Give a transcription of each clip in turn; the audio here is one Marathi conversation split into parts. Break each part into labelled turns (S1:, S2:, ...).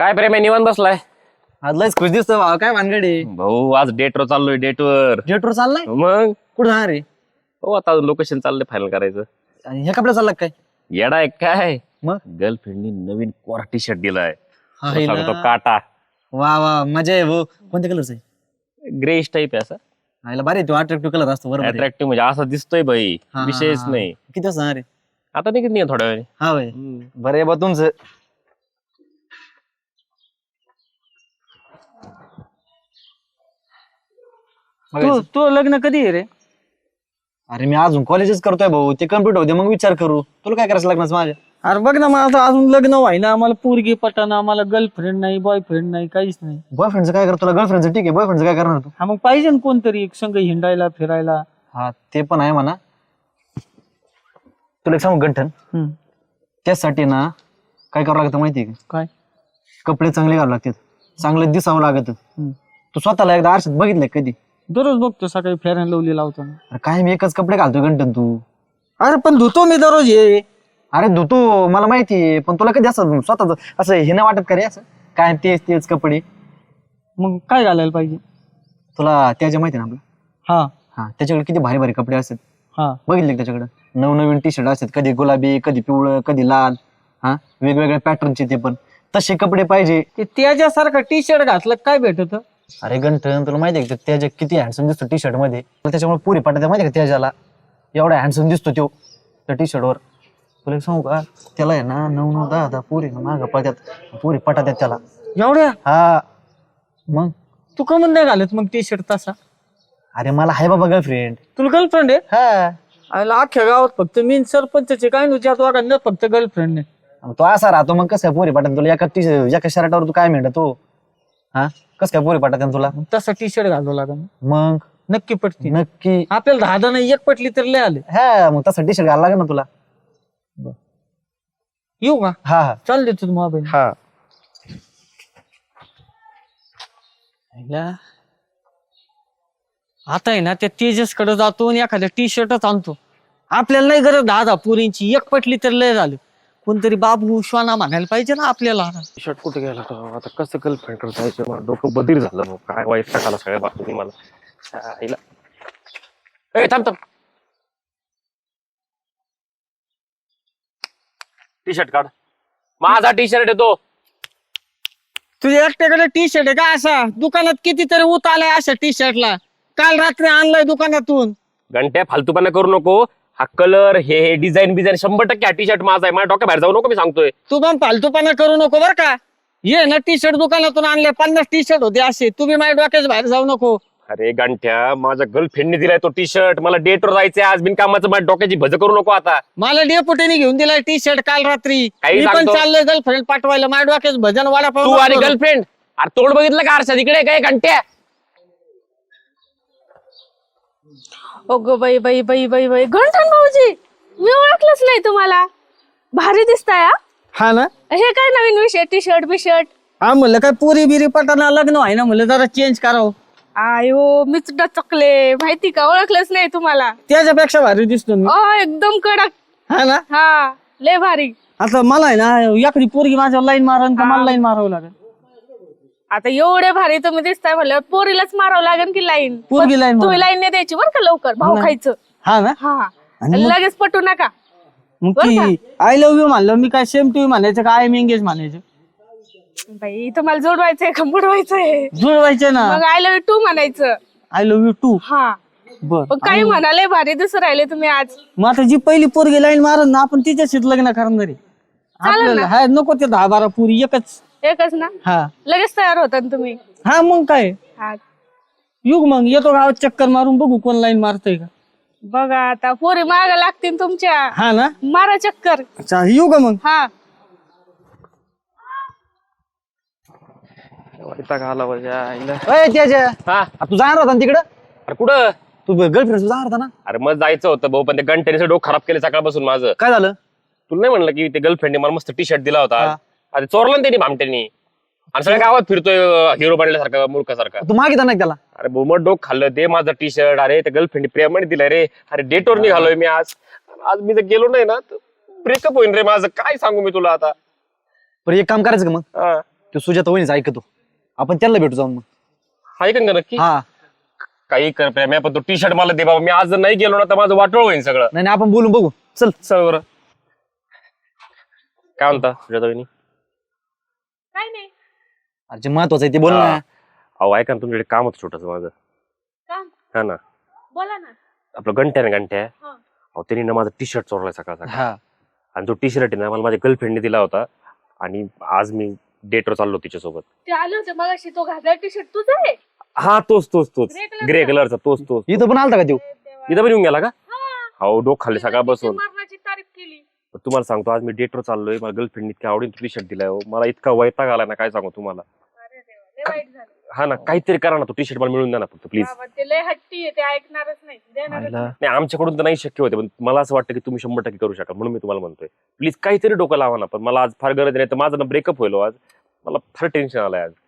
S1: काय प्रेम आहे निवांत बसलाय
S2: आज लयच खुश दिसतो भाऊ. काय भानगडी
S1: भाऊ आज डेटवर चाललोय डेटवर
S2: जेटवर चाललाय
S1: मग
S2: कुठं जाणार रे
S1: हो आता लोकेशन चाललंय फायनल करायचं
S2: आणि हे कपडे चालला काय
S1: येडा आहे काय
S2: मग
S1: गर्लफ्रेंडनी नवीन कोरा टी शर्ट दिलाय
S2: हा,
S1: तुला
S2: हिला.
S1: सांगतो काटा
S2: वा वा मजा आहे भाऊ. कोणत्या कलरचा आहे
S1: ग्रेश टाईप आहे असा
S2: आईला भारी तो अट्रॅक्टिव्ह कलर असतो बरोबर आहे.
S1: अट्रॅक्टिव्ह म्हणजे असा दिसतोय भाई
S2: हा, हा,
S1: विषयच
S2: हा.
S1: नाही
S2: किती वाजता जाणार रे
S1: आता निघत नाही थोड्या वेळ
S2: हा भाई बरं आहे बा तुमचं
S3: तू तू लग्न कधी आहे रे?
S2: अरे मी अजून कॉलेजच करतोय भाऊ ते कम्प्लीट होते मग विचार करू तुला काय करायचं लग्नाचं माझ्या
S3: अरे बघ ना मला आता अजून लग्न व्हायना आम्हाला पोरगी पटाना आम्हाला गर्लफ्रेंड नाही बॉयफ्रेंड नाही काहीच नाही.
S2: बॉयफ्रेंडचं काय करतो तुला गर्लफ्रेंडचं ठीक आहे बॉयफ्रेंडचं काय करणार तू
S3: हा मग पाहिजे ना कोणतरी एक संग हिंडायला फिरायला.
S2: हा ते पण आहे म्हणा तुला एक सांगू गंठन
S3: हम्म.
S2: त्यासाठी ना काय करावं लागतं माहितीये का
S3: काय
S2: कपडे चांगले घालावे लागतात चांगलं दिसावं लागत
S3: हम्म.
S2: तू स्वतःला एकदा आरशात बघितलंय का कधी
S3: दररोज बघतो सकाळी फेअर अँड लवली लावताना.
S2: अरे काय मी एकच कपडे घालतोय गंठन तू
S3: अरे पण धुतो मी दररोज हे.
S2: अरे धुतो मला माहितीये पण तुला कधी असं स्वतःच असं हे नाही वाटत का रे असं काय तेच तेच कपडे
S3: मग काय घालायला पाहिजे?
S2: तुला त्याच्या माहिती ना आपलं
S3: हा
S2: हा त्याच्याकडे किती भारी भारी कपडे असतात
S3: हा
S2: बघितले का त्याच्याकडे नवनवीन टी शर्ट असतात कधी गुलाबी कधी पिवळं कधी लाल हा वेगवेगळ्या पॅटर्नचे ते पण तसे कपडे पाहिजे
S3: ते त्याच्यासारखं टी शर्ट घातलं काय भेटत?
S2: अरे गंठन तुला माहिती आहे का त्याच्या किती हँडसम दिसतो टी शर्ट मध्ये त्याच्यामुळे पुरी पाठात माहिती आहे का त्याच्याला एवढा हँडसम दिसतो तो त्या टी शर्टवर तुला एक सांगू का त्याला आहे ना 9-9-10-10 पुरी माग पळतात पुरी पटात त्याला
S3: एवढ्या
S2: हा मग
S3: तू का नाही घालत मग टी शर्ट तसा?
S2: अरे मला आहे बाबा गर्लफ्रेंड
S3: तुला गर्लफ्रेंड आहे?
S2: हा
S3: आयला अख्ख्या गावात फक्त मी सरपंचचे काय नुच्या दोघांना फक्त गर्लफ्रेंड नाही.
S2: मग तो असा राहतो मग कसं काय पुरी पाठात तुला एका शर्टावर तू काय म्हणत तो हा कसं काय पुरी पाठात तुला
S3: मग तसा टी शर्ट घालावं लागेल
S2: मग
S3: नक्की पटती.
S2: नक्की
S3: आपल्याला 10 नाही एक पटली तर लय आले.
S2: हा मग तसा टी शर्ट घालायला लागेल ना तुला
S3: येऊ का?
S2: हा हा
S3: चाल देतो तुम्हाला मोबाईल.
S2: हा
S3: आता आहे ना त्या तेजस कडे जातो आणि एखाद्या टी शर्टच आणतो. आपल्याला नाही गरज 10 पुरींची एक पटली तर लय झालं. कोणतरी बाबू श्वाना म्हणायला पाहिजे ना आपल्याला.
S1: शर्ट कुठे गेला तो आता कसं गर्लफ्रेंड करता यायचं मला डोकं बधीर झालं भाऊ. काय वाईट टाकाला सगळ्या बातमी मला आईला. ए थांब थांब टी शर्ट काढ माझा टी शर्ट येतो
S3: तुझ्या एकट्याकडे टी शर्ट आहे का असा? दुकानात कितीतरी उत आलाय अशा टी शर्टला. काल रात्री आणलाय दुकानातून.
S1: घंट्या फालतूपणा करू नको हा कलर हे डिझाईन बिझाईन 100% हा टी शर्ट माझा आहे माझ्या डोक्या बाहेर जाऊ नको मी सांगतोय
S3: तू पण फालतूपणा करू नको बर का. ये ना टी शर्ट दुकानातून आणले 50 टी शर्ट होते असे. तुम्ही माझ्या डोक्याच बाहेर जाऊ नको.
S1: अरे गंठ्या माझ्या गर्लफ्रेंडने दिलाय तो टी शर्ट मला डेटवर जायचंय आज बिनकामाचं माझ्या डोक्याची भज करू नको आता
S3: मला डेपुटीने घेऊन दिलाय टी शर्ट काल रात्री.
S1: काही
S3: मी पण
S1: सांगतो.
S3: चाललोय गर्लफ्रेंड पाठवायला. माझ्या डोक्याच भजन वाडा
S1: तू आणि गर्लफ्रेंड अरे तोंड बघितलं का आरशात इकडे काय घंट्या
S4: अगो बाई बाई बाई बाई बाई गंठन भाऊजी मी ओळखलंच नाही तुम्हाला. भारी दिसताय हा.
S3: हा ना.
S4: हे काय नवीन विषय टी शर्ट बी शर्ट.
S3: हा म्हणलं काय पुरी बिरी पटाना लग्न आहे ना म्हणलं जरा चेंज करावं.
S4: आयो मी सुद्धा चकले माहिती का ओळखलंच नाही तुम्हाला.
S3: त्याच्यापेक्षा भारी दिसतो मी.
S4: एकदम कडक.
S3: हा ना.
S4: हा लय भारी.
S3: आता मला आहे ना एखादी पोरगी माझ्या लाईन मारण का मला लाईन मारावं लागेल?
S4: आता एवढे भारी तुम्ही दिसताय म्हणलं पोरीलाच मारावं लागेल की लाईन.
S3: पोरगी लाईन
S4: तुम्ही लाईन नाही द्यायची बरं का लवकर भाऊ खायचं.
S3: हा ना.
S4: हा लगेच पटू नका.
S3: मग ती आय लव्ह यू म्हणलं मी काय सेम टू यू म्हणायचं का आय एम एंगेज म्हणायचं?
S4: बाई तुम्हाला जोडवायचंय का बुडवायचंय?
S3: जुळवायचं ना.
S4: मग आय लव्ह यू टू म्हणायचं.
S3: I love you too.
S4: हा
S3: बर.
S4: पण काही म्हणाले भारी दिसू राहिले तुम्ही आज.
S3: मग आता जी पहिली पोरगी लाईन मारन ना आपण तिच्याशीच लग्न करणार आहे. आपल्याला हा नको ते 10-12 पुरी
S4: एकच ना.
S3: हा
S4: लगेच तयार होता ना तुम्ही.
S3: हा मग काय
S4: हा
S3: युग मग येतो गावात चक्कर मारून बघू कोण लाईन मारतय का.
S4: बघा आता पोरी माग लागतील तुमच्या.
S3: हा ना.
S4: मारा चक्कर.
S3: येऊ का मग?
S4: हा
S2: त्याच्या
S1: हा
S2: तू जाणार होता ना तिकडं
S1: अरे कुठं
S2: तू गर्लफ्रेंड जाणार होता ना
S1: अरे मग जायचं होतं भाऊ पण ते गंठ्याने डोकं खराब केलं सकाळपासून माझं.
S2: काय झालं
S1: तुला नाही म्हणलं की ते गर्लफ्रेंडने मला मस्त टी शर्ट दिला होता
S2: हा.
S1: अरे चोरला ना त्यांनी भामट्यानी आणि सगळ्या गावात फिरतोय हिरो बनल्यासारखा मूर्खासारखा.
S2: तू मागितला नाही त्याला
S1: अरे बोमट डोक खाल्लं ते माझं टी शर्ट. अरे त्या गर्लफ्रेंड प्रेमाने दिलाय रे. अरे डेटवर निघालोय मी आज. आज मी जर गेलो नाही ना ब्रेकअप होईन रे माझं. काय सांगू मी तुला आता.
S2: बरं एक काम करायचं का मग
S1: हा.
S2: तो सुजाता वहिनीच ऐकतो. आपण त्याला भेटू जाऊन मग.
S1: हाय का नक्की?
S2: हा
S1: काही कर प्रेम पण तो टी शर्ट मला दे बाबा. मी आज जर नाही गेलो ना तर माझं वाटोळ होईल सगळं.
S2: नाही आपण बोलून बघू. चल.
S1: चल बरं. काय म्हणता सुजाता वहिनी?
S4: काय नाही
S2: अरे महत्वाचं आहे ते बोल ना.
S1: अहो ऐका ना, तुमच्याकडे काम होतं छोटस माझं.
S4: काम
S1: हा ना,
S4: बोला ना.
S1: आपलं घंट्या ना घंट्या.
S4: हा.
S1: अहो त्यांनी ना माझा टी शर्ट चोरलाय सकाळ सकाळ.
S2: हा
S1: आणि तो टी शर्ट आहे ना मला माझ्या गर्लफ्रेंडने दिला होता. आणि आज मी डेटवर चाललो तिच्यासोबत.
S4: ते आले होते मगाशी, तो घातला टी शर्ट तुझा आहे?
S1: हा तोच
S4: Grey color
S1: ग्रे
S4: चा?
S1: कलरचा तोच.
S2: इथं पण आलता का तू?
S1: इथं पण येऊन गेला का?
S4: हा.
S1: हो डोक खाल्ले सकाळ बसून.
S4: मरणाची तारीफ केली.
S1: तुम्हाला सांगतो आज मी डेटवर चाललोय. मला गर्लफ्रेंड इतक्या आवडीने टी शर्ट दिलाय. मला इतका वैताग आलाय ना काय सांगू तुम्हाला.
S4: अरे देवा, लय वाईट झालं.
S1: हा ना, काहीतरी करा ना. तो टी शर्ट मला मिळून द्या ना फक्त प्लीज.
S4: बाबा, ते लय हट्टी आहे, ते ऐकणारच नाही, देणारच नाही.
S1: नाही आमच्याकडून तर नाही शक्य होते पण मला असं वाटतं की तुम्ही 100% करू शकाल म्हणून मी तुम्हाला म्हणतोय. प्लीज काहीतरी डोकं लावा ना. पण मला आज फार गरज नाही तर माझं ना ब्रेकअप होईल आज. मला फार टेन्शन आलंय आज.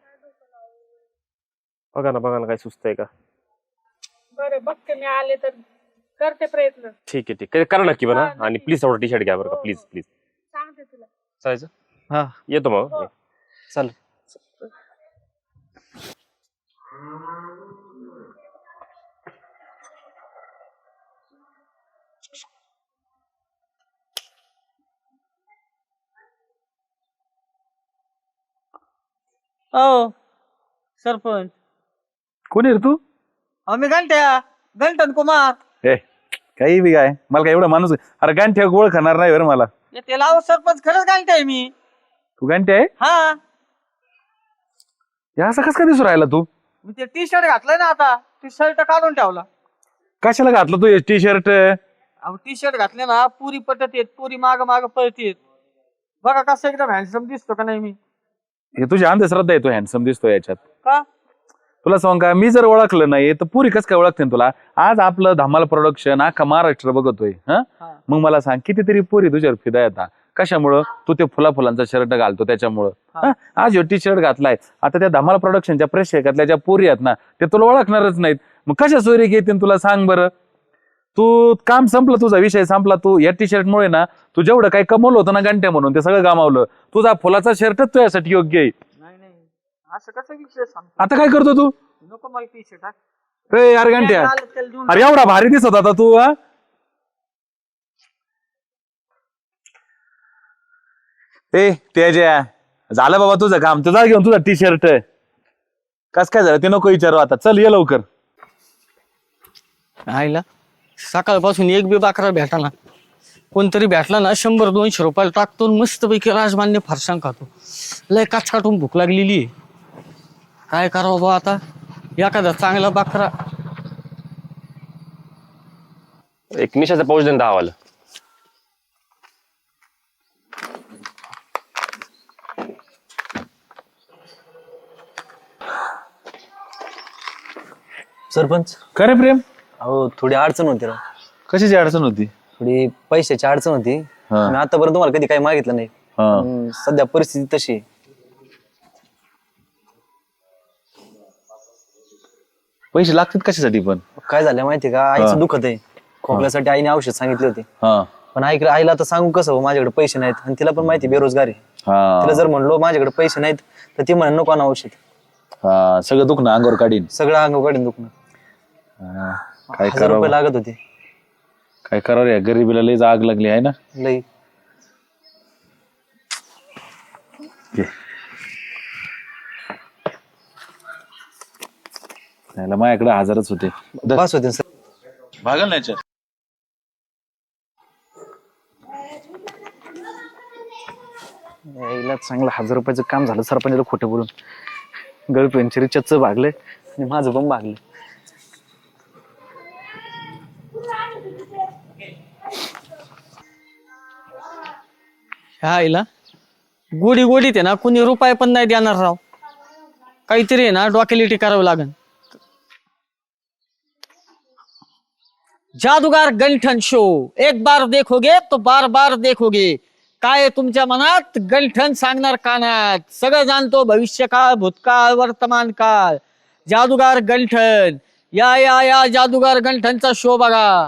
S1: बघा ना काय सुस्त आहे का?
S4: बरं बघते मी, आले तर करते प्रयत्न.
S1: ठीक आहे करा नक्की बना.
S4: हा, नक्की.
S1: आणि प्लीज थोडं टी शर्ट घ्या बरं का
S4: हो,
S1: प्लीज
S4: हो.
S1: प्लीज.
S4: सांगते तुला.
S1: चालायचं
S2: हा
S1: येतो मग.
S4: हो.
S2: चल.
S3: हो सरपंच.
S5: कोणी रे तू?
S3: आम्ही गंठन कुमार.
S5: ए काही बी काय मला काय एवढा माणूस अरे गांठ्या गोळ खाणार नाही बरं मला.
S3: त्याला अहो सरपंच खरंच गंठ आहे मी.
S5: तू गांठ्या आहे
S3: हा
S5: या असं कस काय दिसू राहिला तू?
S3: मी ते टी शर्ट घातलंय ना आता, टी शर्ट काढून ठेवला.
S5: कशाला घातलं तू टी शर्ट?
S3: अहो टी शर्ट घातले ना पुरी पटत येत, पुरी माग पळतेत. बघा कसं एकदम हँडसम दिसतो का नाही मी.
S5: हे तुझी अंधश्रद्धा आहे. तू हँडसम दिसतो याच्यात.
S3: का
S5: तुला सांग का मी जर ओळखलं नाही तर पुरी कस काय ओळखते तुला? आज आपलं धमाल प्रोडक्शन अख्खा महाराष्ट्र बघतोय. हा
S3: हा.
S5: मग मला सांग कितीतरी पुरी तुझ्यावर फिदा येतात. कशामुळं? तू ते फुलांचा शर्ट घालतो त्याच्यामुळं.
S3: हा.
S5: हा? आज ह्यो टी शर्ट घातलाय. आता त्या धमाल प्रोडक्शनच्या प्रेक्षकातल्या ज्या पुरी आहेत ना ते तुला ओळखणारच नाहीत. मग कशा सोयरी घेतील तुला सांग बरं? तू काम संपलं, तुझा विषय संपला. तू या टी शर्ट मुळे ना तू जेवढं काही कमवलं होतं ना घंट्या म्हणून ते सगळं गमावलं. तुझा फुलाचा शर्टच तुझ्यासाठी योग्य आहे.
S3: नाही असं कसं विषय सांग.
S5: आता काय करतो तू?
S3: नको मला टी शर्ट.
S5: ए यार घंट्या, अरे एवढा भारी दिसत होता तू. हा ए तेजा झालं बाबा तुझं काम. तुझा घेऊन तुझा टी शर्ट कस काय झालं ते नको विचारू आता. चल ये लवकर.
S3: आईला सकाळपासून एक बी बाकरा भेटाना. कोणतरी भेटला ना 100-200 रुपयाला टाकतो मस्तपैकी राजमान्य फरसाण खातो. लय काटून भूक लागलेली आहे. काय करावं बा आता. एखादा चांगला बाकरा.
S1: एक निशाचा पाऊस देऊन 10 वाला.
S2: सरपंच
S5: खरे प्रेम
S2: अहो थोडी अडचण होती राव.
S5: कशाची अडचण होती?
S2: थोडी पैशाची अडचण होती.
S5: हा.
S2: मी आतापर्यंत तुम्हाला कधी काही मागितलं नाही.
S5: हा.
S2: सध्या परिस्थिती तशी आहे.
S5: पैसे लागतात कशासाठी पण?
S2: काय झालं माहितीये का, आईचं दुखत आहे. खोकल्यासाठी आईने औषध सांगितले होते.
S5: हा
S2: पण आईला तर सांगू कसं हो, माझ्याकडे पैसे नाहीत. आणि तिला पण माहिती बेरोजगार आहे.
S5: हा
S2: तिला जर म्हणलो माझ्याकडे पैसे नाहीत तर ती म्हणे नको ना औषध.
S5: हा सगळं दुखणं अंगावर काढीन.
S2: सगळं अंग काढून दुखणं.
S5: हा, काय
S2: 1000 रुपये
S5: करावं
S2: लागत होते.
S5: काय करावं या गरीबीला लईच आग लागली आहे ना.
S2: लई.
S5: याला माझ्याकडे 1000च होते.
S2: बस होते सर.
S5: भागल ना याच्यात.
S2: यायला चांगलं 1000 रुपयाचं काम झालं सरपंचाला खोटं बोलून. गर्लफ्रेंडचे रिचार्जचं भागलंय आणि माझं पण भागलं.
S3: ह्या आईला गोडीत आहे ना कुणी रुपये पण नाही देणार राव. काहीतरी आहे ना डोकेलिटी करावं लागेल. जादूगार गंठन शो एक बार देखोगे तो बार बार देखोगे. काय तुमच्या मनात गंठन सांगणार कानात. सगळं जाणतो भविष्यकाळ भूतकाळ वर्तमान काळ. जादूगार गंठन या जादूगार गंठनचा शो बघा.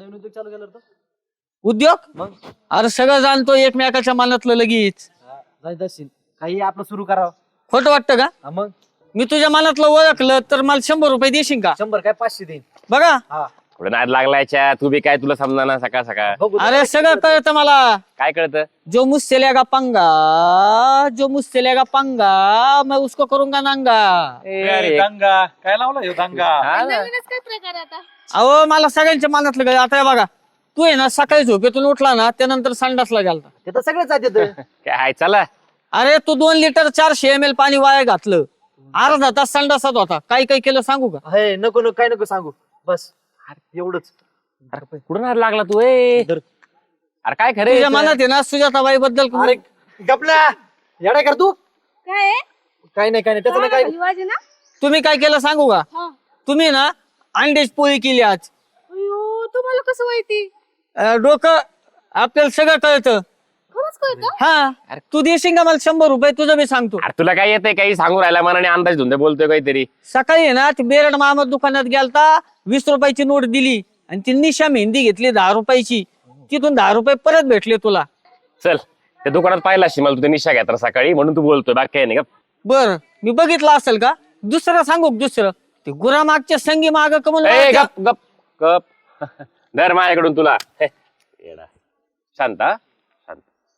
S3: उद्योग अरे सगळं जाणतो एकमेकाच्या मनातलं लगेच.
S2: काही आपलं सुरू करावं.
S3: खोटं वाटतं का?
S2: हा, मग
S3: मी तुझ्या मनातलं ओळखलं तर मला 100 रुपये देशील का?
S2: 100 काय 500 देईन.
S3: बघा
S1: थोडं नाद लागलायच्या तू बी काय तुला समजा ना सकाळ सकाळ
S2: बघू
S3: अरे सगळं कळतं मला.
S1: काय कळतं
S3: जो मुझसे लेगा पंगा, जो मुझसे लेगा पंगा, मैं उसको करूंगा नांगा.
S1: अरे
S5: दंगा काय लावला ह्यो दंगा?
S1: हा ना.
S4: नवीनच काय प्रकार आता?
S3: अहो मला सगळ्यांच्या मनातलं कळलं. आता हे बघा, तू आहे ना सकाळी झोपेतून उठला ना त्यानंतर संडासला गेलता.
S2: ते तर सगळेच जाते.
S1: काय चला
S3: अरे तू 2 लिटर 400 ml पाणी वाया घातलं. अर्धा तास संडासात होता. काय काय केलं सांगू का?
S2: हे नको नको काय नको सांगू, बस एवढंच.
S1: कुठून हात लागला तू ए?
S2: धर.
S1: अरे काय खरे
S3: तुझ्या मनात आहे ना सुजाताबाई बद्दल
S2: अरे गपला येडा कर तू.
S4: काय आहे?
S2: काय नाही त्याचं नाही काय.
S4: वाजे ना?
S3: तुम्ही काय केलं सांगू का?
S4: हा.
S3: तुम्ही ना अंड्याची पोळी केली आज.
S4: अयो, तुम्हाला कसं माहिती?
S3: डोकं आपल्याला सगळं कळतं.
S4: खरंच कळतं?
S3: हा तू देशील का मला 100 रुपये? तुझं मी सांगतो.
S1: अरे तुला काय येतंय काही सांगू राहिला मनाने अंदाज धुंदे बोलतोय काहीतरी
S3: सकाळी आहे ना ती बेरड मामा दुकानात गेलता, 20 रुपयाची नोट दिली आणि ती निशा मेहंदी घेतली 10 रुपयाची. तिथून 10 रुपये परत भेटले तुला.
S1: चल त्या दुकानात पाहिला अशी मला तू निशा घेतला सकाळी म्हणून तू बोलतोय बाकी काही नाही का
S3: बर मी बघितलं असेल का? दुसरं सांगू का? दुसरं ते गुरामागच्या संगी माग कमल
S1: ए, गप गप गप धर माझ्याकडून तुला हे, येडा. शांत हा? शांत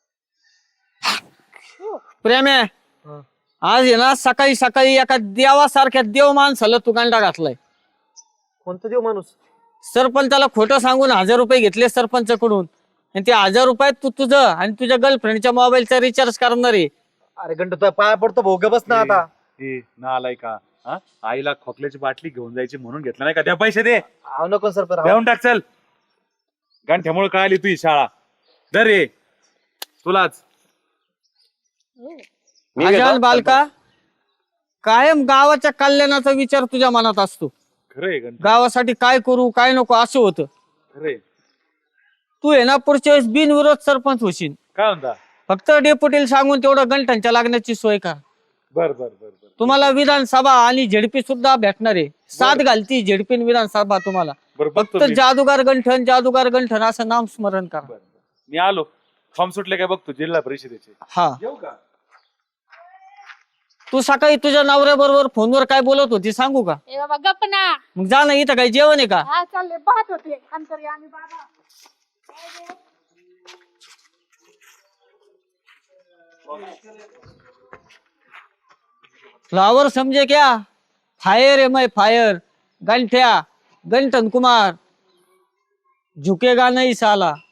S3: प्रेम आहे. आज आहे ना सकाळी सकाळी एका देवासारख्या देव माणसाला तू गांडा घातलाय.
S2: कोणतं देव माणूस?
S3: सरपंचाला खोटं सांगून 1000 रुपये घेतले सरपंचाकडून आणि ते 1000 रुपयात तू तुझं आणि तुझ्या गर्लफ्रेंडच्या मोबाईलचा रिचार्ज करणार आहे.
S2: अरे घंटा तुझ्या पाया पडतो भाऊ, ग बस ना आता.
S5: ना आलाय का? हा? आईला खोकल्याची बाटली घेऊन जायची म्हणून घेतला नाही का? द्या पैसे दे,
S2: आव नको सर पर
S5: देऊन टाक. चल गांठ्यामुळे कळाली तुझी शाळा. दर रे तुलाच.
S1: मी
S3: अजान
S1: घेतो.
S3: बालका, कायम गावाच्या कल्याणाचा विचार तुझ्या मनात असतो.
S5: खरंय गंठ,
S3: गावासाठी काय करू काय नको असं होतं.
S5: खरंय.
S3: तू आहे ना पुढच्या वेळेस बिनविरोध सरपंच होशील.
S5: काय म्हणता?
S3: फक्त डेप्युटीला सांगून तेवढं गंठ्यांच्या लागण्याची सोय कर.
S5: बर बर बर बर
S3: तुम्हाला विधानसभा आणि झेडपी सुद्धा भेटणार आहे. 7 घालती झेडपी विधानसभा तुम्हाला.
S5: बर
S3: फक्त
S5: बघतो मी.
S3: जादूगार गंठन असं नाम स्मरण करा.
S5: बर, बर. मी आलो. फॉर्म सुटले काय बघतो जिल्हा परिषदेचे.
S3: हा
S5: येऊ का?
S3: तू सकाळी तुझ्या नवऱ्याबरोबर फोनवर काय बोलत होती सांगू का?
S4: ए बाबा गप ना.
S3: मग जा ना, इथं काय जेवण आहे का?
S4: हा चालले पाहत होते अंतर्यामी बाबा.
S3: फ्लावर समझे क्या? फायर है मैं फायर. गंठ्या गंठन कुमार झुकेगा नहीं साला.